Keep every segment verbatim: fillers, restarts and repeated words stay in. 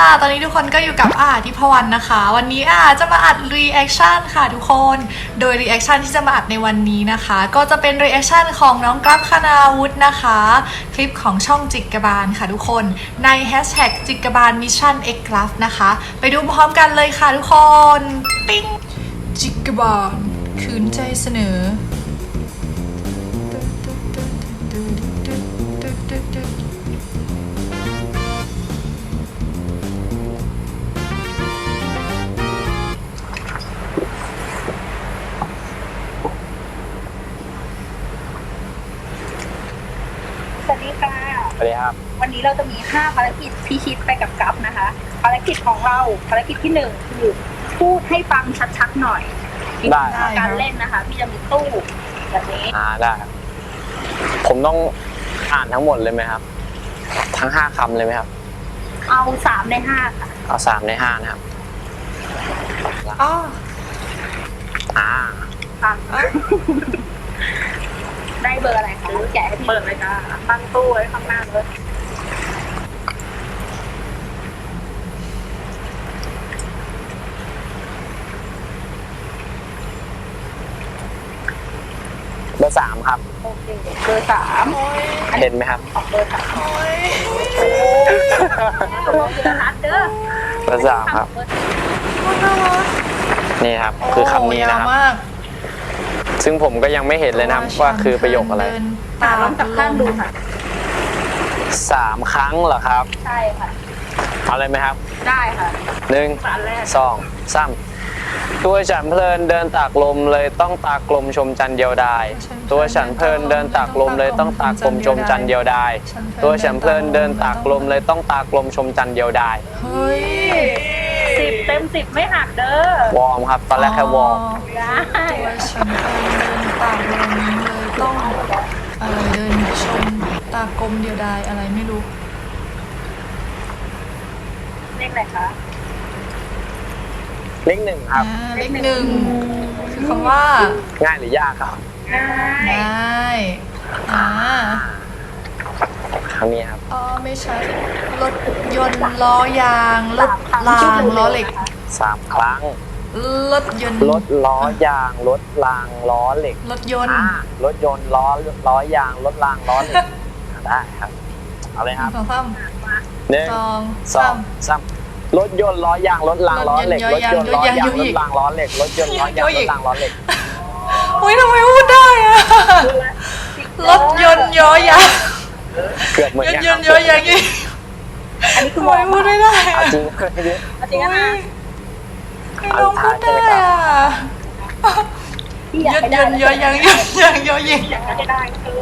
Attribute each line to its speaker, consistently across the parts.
Speaker 1: ตอนนี้ทุกคนก็อยู่กับอาทิพวรรณนะคะวันนี้อาจะมาอัดรีแอคชั่นค่ะทุกคนโดยรีแอคชั่นที่จะมาอัดในวันนี้นะคะก็จะเป็นรีแอคชั่นของน้องกราฟคณาวุฒินะคะคลิปของช่องจิกกบาลค่ะทุกคนในแฮชแท็กจิกกบาลมิชชั่นเอ็กกราฟนะคะไปดูพร้อมกันเลยค่ะทุกคนปิ้งจิกกบาลคืนใจเสนอ
Speaker 2: สวัสดีค่ะ
Speaker 3: สวัสดีครับ
Speaker 2: วันนี้เราจะมีห้าภารกิจพิชิตไปกับกัฟนะคะ ภารกิจของเราภารกิจที่หนึ่งคือพูดให้ฟังชัดๆหน่อย
Speaker 3: ได้
Speaker 2: การเล่นนะคะพี่จะมีตู้แบบนี้
Speaker 3: อ่าได้ครับผมต้องอ่านทั้งหมดเลยไหมครับ ทั้งห้าคำเลยไหมครับ
Speaker 2: เอาสามในห้าค่ะ
Speaker 3: เอาสามในห้านะครับ
Speaker 1: อ๋อ
Speaker 3: อ่า
Speaker 2: ฟังได้เบอร์อะไรคะแกะให้พี่เปิดเลยจ้าตั้งตู้ไว้ข้างหน้าเลย
Speaker 3: เบอร์สามครับ
Speaker 2: โอเคเบอร์สาม
Speaker 3: เห็นไหมครับ
Speaker 2: ของเบอร์สาม
Speaker 1: โอ้ย
Speaker 2: โอ้โหเบอร์ฮัทเด้อ
Speaker 3: เบอร์สามครับ นี่ครับ คือคำนี้นะครับ
Speaker 1: โอ้ยาวมาก
Speaker 3: ซึ่งผมก็ยังไม่เห็นเลยนะครับว่าคือประโยคอะไร
Speaker 2: ตาลองจับข้างดูค่ะ
Speaker 3: สามครั้งเหรอครับ
Speaker 2: ใช่ค่ะ
Speaker 3: เอาเลยไหมครับ
Speaker 2: ได้ค่ะ
Speaker 3: หนึ่ง
Speaker 2: อันแรก
Speaker 3: สองสามตัวฉันเพลินเดินตากลมเลยต้องตากลมชมจันเดียวดายตัวฉันเพลินเดินตากลมเลยต้องตากลมชมจันเดียวดายตัวฉันเพลินเดินตากลมเลยต้องตากลมชมจันเดียวดาย
Speaker 1: เฮ้ย
Speaker 2: สิบเต็มสิบไม่หักเด้อ
Speaker 3: วอร์มครับตอนแรกแค่วอร์ม
Speaker 2: ได้
Speaker 1: ตัวฉันเดินตากลมเลยต้องอะไรเดินชมตากลมเดียวดายอะไรไม่รู้
Speaker 2: เลขอะไรคะ
Speaker 3: เลขหนึ่งครับ
Speaker 1: อ่าเลขหนึ่งคือคำว่า
Speaker 3: ง่ายหรือยากครับ
Speaker 2: ได้
Speaker 1: ได้อ่า
Speaker 3: ครั้งนี้ครับ
Speaker 1: อ๋อไม่ใช่รถยนต์ล้อยางรถรางล้อเหล็ก
Speaker 3: สามครั้ง
Speaker 1: รถยนต์
Speaker 3: รถล้อยางรถรางล้อเหล็ก
Speaker 1: รถยนต์
Speaker 3: อ่ารถยนต์ล้อล้อยางรถรางล้อเหล็กได้ครับเอาเลยครับ
Speaker 1: สองสาม
Speaker 3: หนึ่ง
Speaker 1: สอง
Speaker 3: สอ
Speaker 1: สาง ม
Speaker 3: สามรถยนต์ล้อยางรถรางล้อเหล็กรถยนต์ล้อยางรถรางล้อเหล็กรถยนต์ล้อยางรถรางล้อเหล็ก
Speaker 1: อุ้ยทำไมพูดได้อะรถยนต์ย้อยาง
Speaker 3: เกือบเหมือน
Speaker 1: รถ
Speaker 3: กัน
Speaker 1: ยนต์ย้อยางนี่
Speaker 2: อันนี้คือ
Speaker 1: ทำ
Speaker 2: ว
Speaker 1: ไม
Speaker 2: อร์ม
Speaker 1: พูดไม่ได้
Speaker 3: เอา
Speaker 1: อะ
Speaker 3: จริงจริง
Speaker 2: เอาจริงนะ
Speaker 1: ให้น้องพูดได้อะ
Speaker 2: พี่อยาก
Speaker 1: ยน
Speaker 2: ให้
Speaker 1: ต์ย
Speaker 2: ได้
Speaker 1: นต์ย้อยางยนต์ยางย้อยาง
Speaker 2: อยากให้ได้เกิ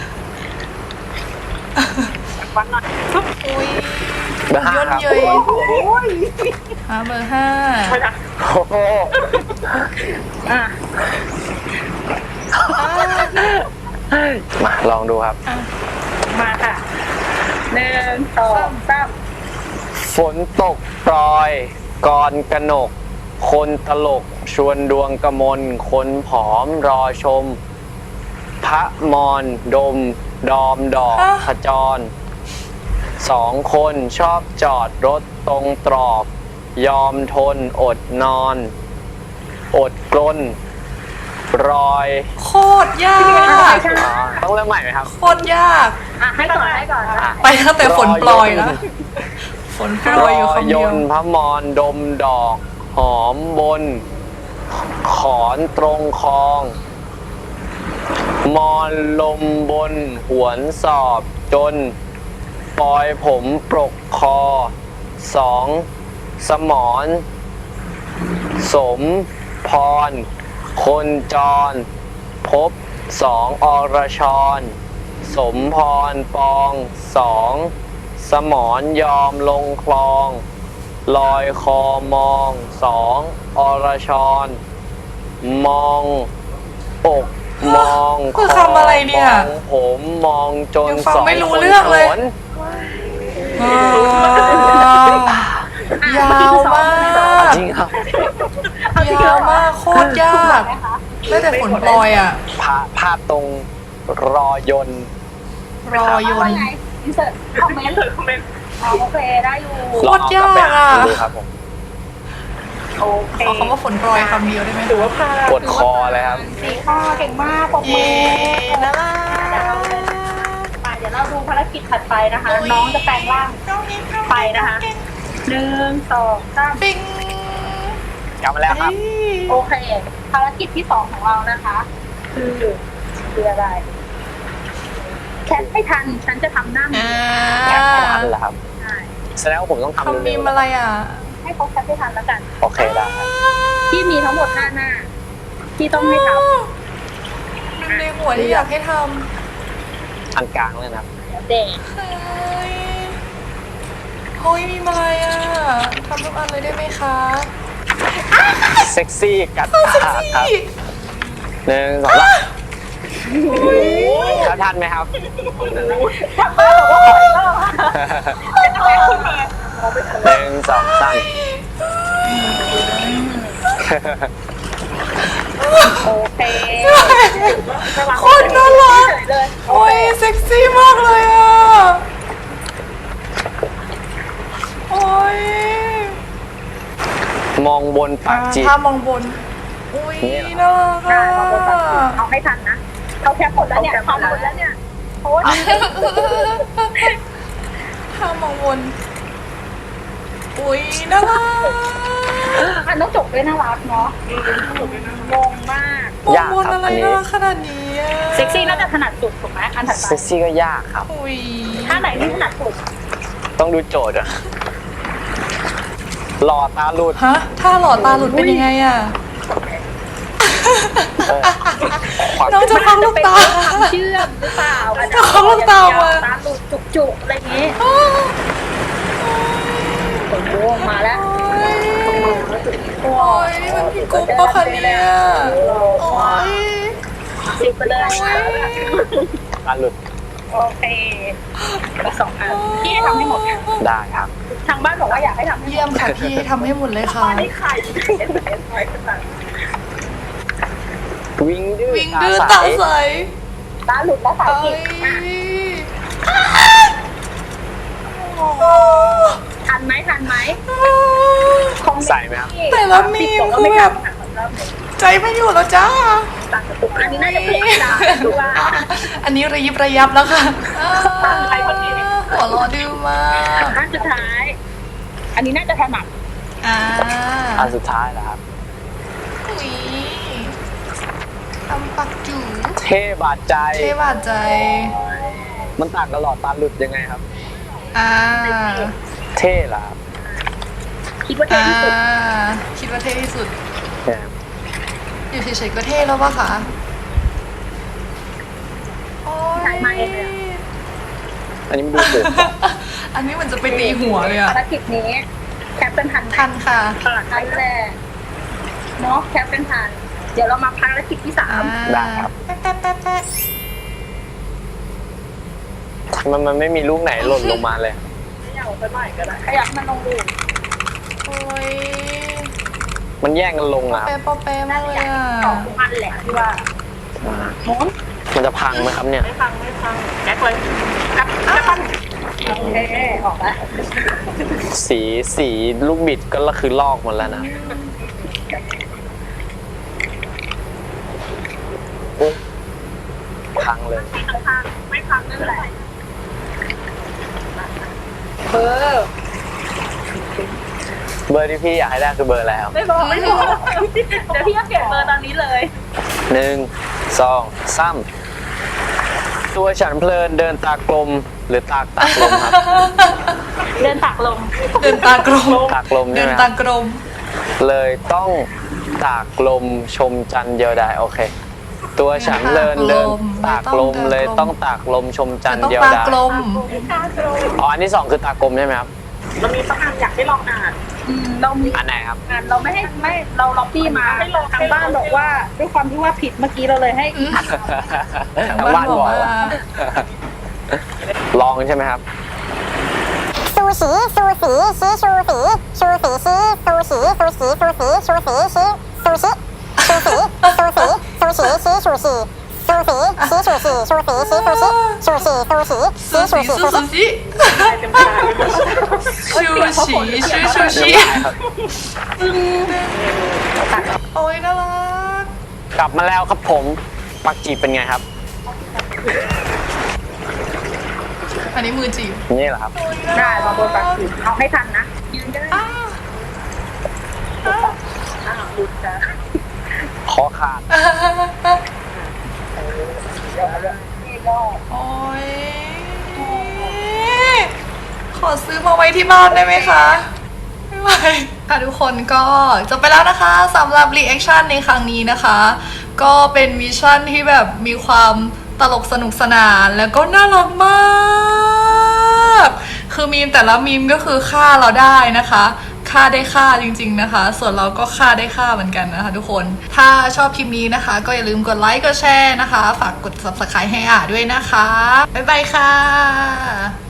Speaker 2: นวันหน่อย
Speaker 1: อุ้ย
Speaker 3: เบอร์ห้าย
Speaker 1: น
Speaker 3: ครั
Speaker 1: ต์
Speaker 3: บ
Speaker 1: เยย
Speaker 2: โอ้ย
Speaker 1: หาเบอร์ห้า
Speaker 3: โอ้โห
Speaker 2: อ่ะ
Speaker 3: มาลองดูครับ
Speaker 2: มาค่ะหนึ่งสองสาม
Speaker 3: ฝนตกปรอยกรกนก คนตลกชวนดวงกมลคนผอมรอชม พระมอนดม ดอมดอกขจร สองคนชอบจอดรถตรงตรอก ยอมทนอดนอน อดกลนรอย
Speaker 1: โคตรยาก
Speaker 3: อ่าต้องเริ่มใหม่ไหมครับ
Speaker 1: โคตรยาก
Speaker 2: อ่ะให้ก่อนให้ก่อน
Speaker 3: อ่ะ
Speaker 1: ไปตั้งแต่ฝนปลอยแล้วฝนโปรยอยู่คำ
Speaker 3: ย
Speaker 1: เดียวน
Speaker 3: ต์พระมอนดมดอก หอมบน ขอนตรงคลอง มอนลมบนหวนสอบจน ปลอยผมปรกคอ สอง สมอนสมพร คนจร พบสองอรชร สมพรปองสอง สมอนยอมลงคลอง ลอยคอมองสองอรชร มองอกมอง
Speaker 1: คือคำอะไรเนี่ย
Speaker 3: มองผมมองจน
Speaker 1: ยังฟัง
Speaker 3: สอง
Speaker 1: ไม่รู้
Speaker 3: คน
Speaker 1: เรื่องเลย
Speaker 3: โขน
Speaker 1: อ่ายาวมาก
Speaker 3: จริงครับ
Speaker 1: ยาวมากโคตรยากได้แต่ฝนปลอยอ่ะ
Speaker 3: ภาพภาพตรงรอยนต์
Speaker 1: รอยนต์
Speaker 2: อินเสิร์ตคอมเมนต์คอมเมนต์อ๋อโอเคได้อยู่
Speaker 3: ลองเอากลับไปอ่านดูครับผม
Speaker 2: โอเค
Speaker 1: ขอคำว่าฝนโปรยคำเดียวได้ไหม
Speaker 2: ถือว่าผ่าน
Speaker 3: ปวดคอเลยครับ
Speaker 2: สี่ข้อเก่งมากปรบมื
Speaker 1: เย้
Speaker 2: อ
Speaker 1: น่ารั
Speaker 2: เดี๋ยวเรา
Speaker 1: ก
Speaker 2: ไปเดี๋ยวเราดูภารกิจถัดไปนะคะ น้องจะแปลงร่างไปนะคะหนึ่งสองสาม
Speaker 1: ปิ้ง
Speaker 3: กลับมาแล้วครับ
Speaker 2: โอเค ภารกิจที่สองของเรานะคะ คือคืออะไรแคปไม่ทันฉันจะทำหน้ามื
Speaker 1: อ่า
Speaker 2: อ
Speaker 3: แคปไม่ทันเหรอครับ
Speaker 2: ใช่
Speaker 3: แสดงว่าผมต้องทำ
Speaker 1: เขามี
Speaker 3: เร็ว
Speaker 1: อะไรอ่ะ
Speaker 2: ให้เขาแคปให้ทันแล้วกัน
Speaker 3: ๆโอเคได้ครับ
Speaker 2: ที่มีทั้งหมดห้าหน้า ที่ต้องให้ท
Speaker 1: มันในหัวที่อยากให้ท
Speaker 3: อันกลางเลยนะครับ
Speaker 2: ำเด็ก
Speaker 1: ำเฮ้ยเฮ้ยมีอะไรอ่ะทำทุกอันเลยได้ไหมคะ
Speaker 3: เซ็กซี่กัดปากครับหนึ่งสองสามแล้วทันไหมครับ
Speaker 2: ทำบ้าบอกว่าขออีกรอบ
Speaker 3: หนึ่งสองสาม
Speaker 2: โอเค
Speaker 1: โคตรน่ารัก
Speaker 2: เลย
Speaker 1: โอ้ยเซ็กซี่มากเลยอ่ะ โอ้ย
Speaker 3: มองบนปากจีบ
Speaker 1: ถ้ามองบน อุ้ย
Speaker 3: นี่เหรอ
Speaker 1: น่ารัก
Speaker 2: ได้
Speaker 1: อ่ะ
Speaker 2: มาบนปากเอาให้ทันนะเขาแคปหมดแล้วเนี่ยทำหมดแล้วเนี่ยเพราะว่า
Speaker 1: ถ้ามองบน อุ้ยน่ารัก
Speaker 2: อันต้องจบด้วยน่ารักเนาะงงมาก
Speaker 1: มอง
Speaker 3: ยาก
Speaker 1: บน
Speaker 3: ครับ
Speaker 1: อะไร
Speaker 3: อันนี้
Speaker 1: น่ารักขนาดนี้อะ
Speaker 2: เซ็กซี่น่าจะถนัดสุดถูกไหมอันถัดไป
Speaker 3: เซ็กซี่ก็ยากครับ
Speaker 1: อุ้ย
Speaker 2: ท่าไหนที่ถนัดสุด
Speaker 3: ต้องดูโจทย์อะหล่อตาหลุด
Speaker 1: ฮะ ถ้าหลอดตาหลุดเป็นยังไงอ่ะ
Speaker 3: เออขอ
Speaker 1: น้องจะฟังลูกตา
Speaker 2: ความเชื่อมหรือเปล่า
Speaker 1: จะฟังลูกตามา
Speaker 2: ตาหลุดจุกๆอะไรอย่างงี้โอ้โหมาแล้ว
Speaker 1: โอ้ยนี่มันพี่กุ๊กปะคะเนี่ยโอ้ย
Speaker 2: สิบไปเลย
Speaker 3: ตาหลุด
Speaker 2: โอเคอีกสองอันพี่ให้ทำให้หมด
Speaker 3: ได้ครับ
Speaker 2: ทางบ้านบอกว่าอยากให้ทำให้หม
Speaker 1: เยี่ย
Speaker 2: ด
Speaker 1: มค่ะพี่ทำให้หมดเลยค่ะ
Speaker 2: ไม่ไข่เห็นไหมไข่ขนาด
Speaker 3: วิ่งดื้อ
Speaker 1: วิ่ง
Speaker 3: ตา
Speaker 1: ดื้อ
Speaker 3: ใส
Speaker 1: ตาใส
Speaker 2: ตาหลุดแล้วสาย
Speaker 1: เอ้
Speaker 2: กิ
Speaker 1: ย
Speaker 2: ดทันไหมทันไหม
Speaker 3: ใส่ไหมครับ
Speaker 1: แต่ละมีมคือแบบใจไม่อยู่แล้วจ้า
Speaker 2: อันนี้น่าจะเพลงดาดูว่า
Speaker 1: อันนี้ระยิบระยับแล้วค่ะ
Speaker 2: ตั้งใจคนนี้
Speaker 1: หัวเรอดื้อมาก
Speaker 2: อันสุดท้าย อันนี้น่าจะถนัด
Speaker 1: อ่า
Speaker 3: อันสุดท้ายเหรอครับ
Speaker 1: อุ้ยทำปักจู๋
Speaker 3: เท่บาดใจ
Speaker 1: เท่บาดใจ
Speaker 3: มันต่างกับหลอดตาหลุดยังไงครับ
Speaker 1: อ่า
Speaker 3: เท่เหรอครับ
Speaker 2: คิดว่าเท่
Speaker 1: อ่า
Speaker 2: ที่สุด
Speaker 1: คิดว่าเท่ที่สุด
Speaker 3: เนี่ย
Speaker 1: อยู่เฉยๆก็เท่แล้วปะคะโอ้ย
Speaker 2: ถ่ายมาเองเลยอะ
Speaker 3: อันนี้มันดูสูง
Speaker 1: อันนี้มันจะไปตีหัวเลยอะ
Speaker 2: ภารกิจนี้แคปเป็นทันไหม
Speaker 1: ทันค่ะ
Speaker 2: ทันแหละเนาะแคปเป็นทัน เดี๋ยวเรามาภารกิจที่สาม
Speaker 3: ได้ครับ
Speaker 1: แป๊ะแป๊ะแป๊ะแป๊ะ
Speaker 3: มันมันไม่มีลูกไหนหล่นลงมาเลย
Speaker 2: ขยับไปหน่อยก็ได้ขยับมันลงดู
Speaker 1: โอ้ย
Speaker 3: มันแย่งกันลงอะครับ
Speaker 1: แป๊ะปอแป๊ะมากเลยอะ
Speaker 2: สองอันแหละที่ว่าหมุน
Speaker 3: มันจะพังไหมครับเนี่ย
Speaker 2: ไม่ฟังไม่ฟังแจ็คเลยกลับกลับปั้นโอเคออกแล้ว
Speaker 3: สีสีลูกบิดก็คือลอกหมดแล้วนะอุ๊ยพังเลย
Speaker 2: ไม่พังไม่พังนั่นแหละเบอร์
Speaker 3: เบอร์ที่พี่อยากให้ได้คือเบอร์อะไรครับ
Speaker 2: ไม่บอกไม่บอกเดี๋ยวพี่ก็เปลี่ยนเบอร์ตอนนี้เลย
Speaker 3: หนึ่งสองสามตัวฉันเพลินเดินตากลมหรือตากตากลมครับ
Speaker 2: เดินตักลง
Speaker 1: เดินตากลม
Speaker 3: ตากลม
Speaker 1: เดิ
Speaker 3: ใช่
Speaker 1: น
Speaker 3: ไหมค
Speaker 1: ตา
Speaker 3: รับ
Speaker 1: กลม
Speaker 3: เลยต้องตากลมชมจันทร์เดียวดายโอเค ตัวฉันเพลินเดินตากลมเลยต้องตากลมชมจันทร์
Speaker 1: ต้อง
Speaker 3: เดียว
Speaker 1: ตา
Speaker 3: ดาย
Speaker 1: กลม
Speaker 2: ตากลง
Speaker 3: อ๋ออันที่สองคือตากลมใช่ไหมครับ
Speaker 2: เรามีต้องอ่านอยากให้ลองอ่านอืมเรามี
Speaker 3: อันไหนครับ
Speaker 2: อ่านเราไม่ให้ไม่เราล็อบบี้มาทางบ้านบอกว่าด้วยความที่ว่าผิดเมื่อกี้เราเลยให้
Speaker 3: ทางบ้านบอกว่าลองใช่ไหมครับ
Speaker 4: ซูชิซูสีชีชูสีชูสีชีซูชิซูสีซูสีชูสีชีซูชิชูสีซูสีซูชิชีชูสีซูสีชีชูสีชูสีชีซูชิชูสีซูสี
Speaker 1: ซู
Speaker 4: ชีชู
Speaker 1: สี
Speaker 4: สี
Speaker 1: ซู
Speaker 4: ซู
Speaker 1: ซู
Speaker 4: ชิ
Speaker 1: สี
Speaker 2: เต็มตา
Speaker 1: ชูชีชูชูชี
Speaker 2: ตัด
Speaker 1: โอ้ยน่ารัก
Speaker 3: กลับมาแล้วครับผมปักจีบเป็นไงครับ
Speaker 1: อันนี้มือจีบ
Speaker 3: นี่แหละครับ
Speaker 2: ได้ลองโดนปักจีบเอาให้ทันนะยืนได้
Speaker 1: อ้าว
Speaker 2: อ้าวหลุดจ้ะ
Speaker 3: คอขาด
Speaker 2: นี่ก็
Speaker 1: โอ้ยขอซื้อมาไว้ที่บ้านได้ไหมคะ ไม่ไหวค่ะทุกคนก็จบไปแล้วนะคะสำหรับรีแอคชั่นในครั้งนี้นะคะ ก็เป็นมิชชั่นที่แบบมีความตลกสนุกสนานแล้วก็น่ารักมาก คือมีมแต่ละมีมก็คือฆ่าเราได้นะคะฆ่าได้ฆ่าจริงๆนะคะ ส่วนเราก็ฆ่าได้ฆ่าเหมือนกันนะคะทุกคน ถ้าชอบคลิปนี้นะคะ ก็อย่าลืมกดไลค์กดแชร์นะคะ ฝากกด ซับสไครบ์ ให้อ่าด้วยนะคะบ๊ายบายค่ะ